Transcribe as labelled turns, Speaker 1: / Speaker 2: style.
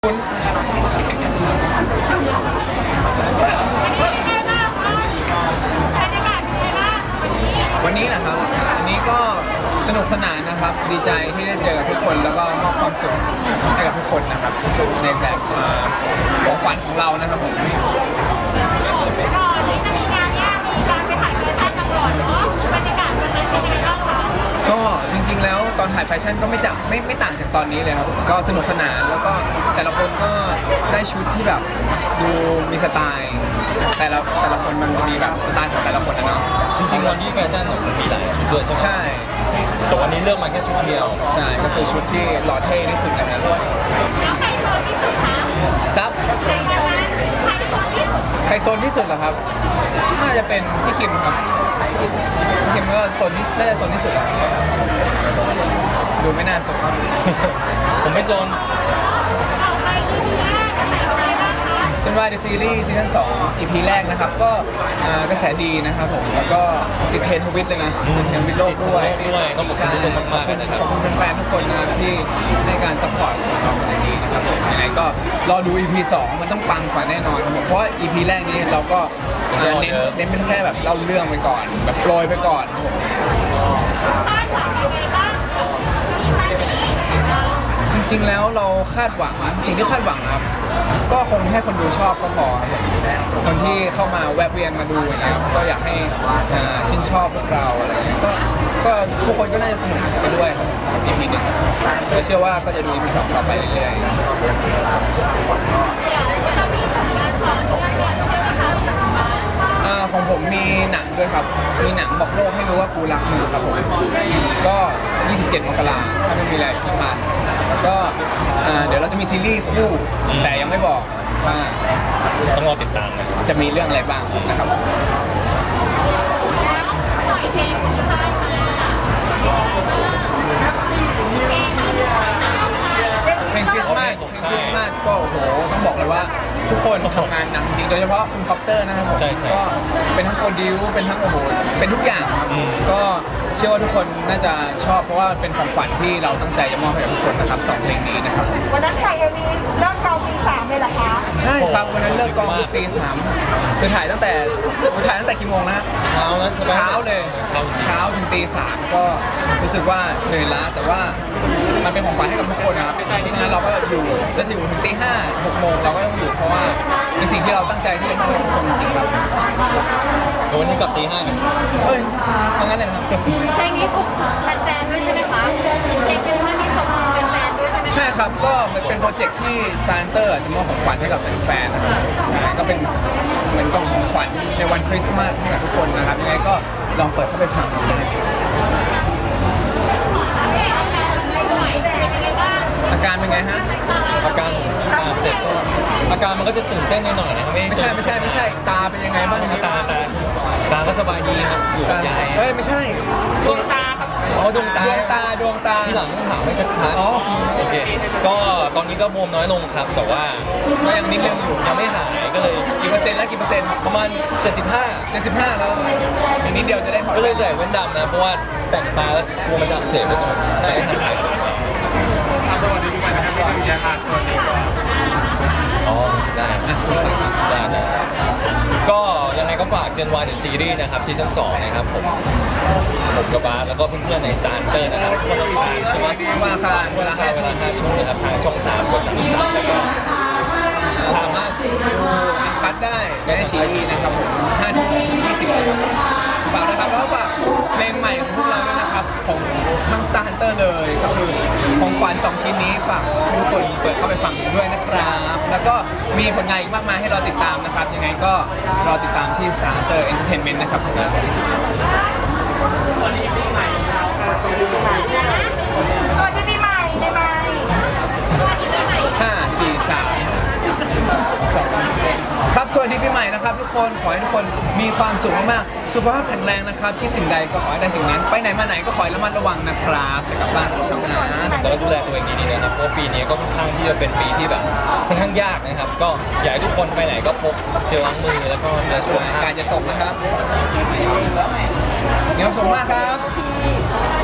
Speaker 1: คุณวันนี้นะครับวันนี้ก็สนุกสนานนะครับดีใจที่ได้เจอกับทุกคนแล้วก็มอบความสุขให้กับทุกคนนะครับในแบบของขวัญของเรานะครับผม
Speaker 2: ก่อนที่จะมีงานเนี่ยมีการไปถ่ายแฟชั่นกันก่อนเนาะบรรยากาศวันนั้นเป็นยังไงบ้างคะ
Speaker 1: ก็จริงๆแล้วตอนถ่ายแฟชั่นก็ไม่ต่างจากตอนนี้เลยครับก็สนุกสนานแล้วก็แต่ละคนก็ได้ชุดที่แบบดูมีสไตล์แต่ละคนมันจะมีแบบสไตล์ของแต่ละคนนะเนาะ
Speaker 3: จริงๆวันที่แฟชั่นเนี่ยมันมีหลายชุดด้วยใช่ไหม
Speaker 1: ใช่
Speaker 3: แต่วันนี้เลือกมาแค่ชุดเดียว
Speaker 1: ใช่ก็คือชุดที่หล่อเท่ที่สุดนะครับ
Speaker 2: แล้วใครโซนที่สุดคะ
Speaker 1: ครับ
Speaker 2: ใครโซนที่สุด
Speaker 1: ใครโซนที่สุดเหรอครับน่าจะเป็นพี่คิมครับพี่คิมก็โซนที่น่าจะโซนที่สุดแล้วดูไม่น่าโซน
Speaker 3: ผมไม่โซน
Speaker 2: ต่อไป EP แรกจะใส่อะไรบ้างคะ
Speaker 1: เช่นว่าในซีรีส์ซีซั่น2 EP แรกนะครับก็กระแสดีนะครับผมแล้วก็ติดเทรนด์ทวิตเลยนะติดเทรนด์ทวิตโลกด้วย
Speaker 3: ต้องขอบคุณทุกคนมากๆนะครับ
Speaker 1: ขอบคุณแฟนๆทุกคนนะครับที่ให้การซัพพอร์ตเราในนี้นะครับผมยังไงก็รอดู EP 2 มันต้องปังกว่าแน่นอนครับผมเพราะว่า EP แรกนี้เราก็เน้นเป็นแค่แบบเล่าเรื่องไปก่อนแบบโปรยไปก่อนครับผม
Speaker 2: คาดหวังยังไงบ้างกับมีแฟนนี้เรา
Speaker 1: จริงๆแล้วเราคาดหวังสิ่งที่คาดหวังนะครับก็คงให้คนดูชอบก็พอครับคนที่เข้ามาแวะเวียนมาดูนะครับก็อยากให้ชื่นชอบพวกเราอะไรเงี้ยก็ทุกคนก็น่าจะสนุกไปด้วยครับ EP หนึ่งแต่เชื่อว่าก็จะดู EP 2ต่อไปเรื่อยๆ
Speaker 2: เดี๋ยวจะมีผลงานต่อเนื่องเนี่ยใช่ไหมคะ
Speaker 1: ของผมมีหนังด้วยครับ มีหนังบอกโลกให้รู้ว่ากูรักมึงครับผม ก็ 27 มกราคมถ้าไม่มีอะไรผิดพลาดแล้วก็เดี๋ยวเราจะมีซีรีส์คู่แต่ยังไม่บอกว่า
Speaker 3: ต้องรอติดตามนะ
Speaker 1: จะมีเรื่องอะไรบ้างนะครับ
Speaker 2: แล้วปล่อยเพลงของค่ายมา
Speaker 1: เพลงคริสต์มาสก็โอ้โหต้องบอกเลยว่าทุกคนทำงานหนักจริงโดยเฉพาะคุณคอปเตอร์นะครับผมก็เป็นทั้งโปรดิวเป็นทั้งโอ้โหเป็นทุกอย่างครับก็เชื่อว่าทุกคนน่าจะชอบเพราะว่าเป็นของขวัญที่เราตั้งใจจะมอบให้กับทุกคนนะครับ2เพลงนี้นะครับ
Speaker 4: วันนั้นถ่ายMVเริ่มกองปี3เลยเหรอคะ
Speaker 1: ใช่ครับวันนั้นเลิกกองตี3คือถ่ายตั้งแต่กี่โมงนะฮะ
Speaker 3: เช้านะ
Speaker 1: เช้าเลยเช้าถึงตี3ก็รู้สึกว่าเหนื่อยล้าแต่ว่ามันเป็นของขวัญให้กับทุกคนนะครับเพราะฉะนั้นเราก็อยู่จะถึงตี5 6 โมงเราก็ต้องอยู่เพราะว่าเป็นสิ่งที่เราตั้งใจที่จะมอบให้ทุกคนจริงๆครับ
Speaker 3: วันนี้กลับตี 5กัน
Speaker 1: เฮ้ยเอางั้นเลยนะครับ
Speaker 2: เพลงนี้ถูกแฟนๆด้วยใช่ไหมคะเพลงเป็นว่านี่ส่งเป็นแฟนด้วยใช่ไหมคะ
Speaker 1: ใช่ครับก็มันเป็นโปรเจกต์ที่ Starter จะมอบของขวัญให้กับแฟนๆนะครับใช่ก็เป็นเหมือนกล่องของขวัญในวันคริสต์มาสให้กับทุกคนนะครับยังไงก็ลองเปิดเข้าไปฟังดูได้อาการเป็นไงฮะ
Speaker 3: อาการเสร็จก็อาการมันก็จะตื่นเต้นหน่อยๆนะครับ
Speaker 1: ไม่ใช่ตาเป็นยังไงบ้างครับ
Speaker 3: ตาก็สบายดีครับอยู่กับยาย
Speaker 1: เฮ้ยไม่ใช่
Speaker 2: ดวงตาครับ
Speaker 3: อ๋อดวงตา
Speaker 1: ดวงตา
Speaker 3: ที่หลังต้องถามให้ชัดๆ
Speaker 1: อ๋อ
Speaker 3: โอเคก็ตอนนี้ก็บวมน้อยลงครับแต่ว่า
Speaker 1: ก็ยังนิดนึงอยู่
Speaker 3: ยังไม่หายก็เลย
Speaker 1: กี่เปอร์เซ็นต์แล้วกี่เปอร์เซ็นต์
Speaker 3: ประมาณ
Speaker 1: 75แล้วอีกนิดเดียวจะได้ถอด
Speaker 3: 75ก็เลยใส่แว่นดำนะเพราะว่าแต่งตาแล้วกลัวมันจะอักเสบไปจนใช่ทันหายจน
Speaker 5: สวัสดีปีใหม่นะครับพี่ตุ้ยยาค่ะสวัสดีก่อน
Speaker 3: อ๋อได้ได้ก็ยังไงก็ฝาก Gen Y The Series นะครับซีซั่น2นะครับผมกับบาสแล้วก็เพื่อนๆใน Starter นะครับทุกวันอังคารใช่ไหม
Speaker 1: วันอังคารเวลา
Speaker 3: เวลา5 ทุ่มนะครับทางช่อง3กด33แล้วก็
Speaker 1: สามารถดูอันคัดได้ในชีวีนะครับผม5 ทุ่ม 20นะครับฝากนะครับแล้วก็ฝากเพลงใหม่ของพวกเราด้วยนะครับของทั้ง Star Hunter เลยก็คือของขวัญ2ชิ้นนี้ฝากทุกคนเปิดเข้าไปฟังด้วยนะครับแล้วก็มีผลงานอีกมากมายให้เราติดตามนะครับยังไงก็รอติดตามที่ Star Hunter Entertainment นะครับ
Speaker 4: สวัสดีปีใหม่ในไมค์
Speaker 1: 5 4 3 2ครับสวัสดีปีใหม่นะครับทุกคนขอให้ทุกคนมีความสุขมากๆสุขภาพแข็งแรงนะครับคิดสิ่งใดก็ขอให้ได้สิ่งนั้นไปไหนมาไหนก็ขอให้ระมัดระวังนะครับจะกลับบ้านของช่องนะ
Speaker 3: แล้วก็ดูแลตัวเองดีๆนะครับเพราะว่าปีนี้ก็ค่อนข้างที่จะเป็นปีที่แบบค่อนข้างยากนะครับก็อยากให้ทุกคนไปไหนก็พกเจลล้างมือแล้วก็ดูแลสุขภาพ
Speaker 1: การจะตกนะครับมีความสุขมากครับ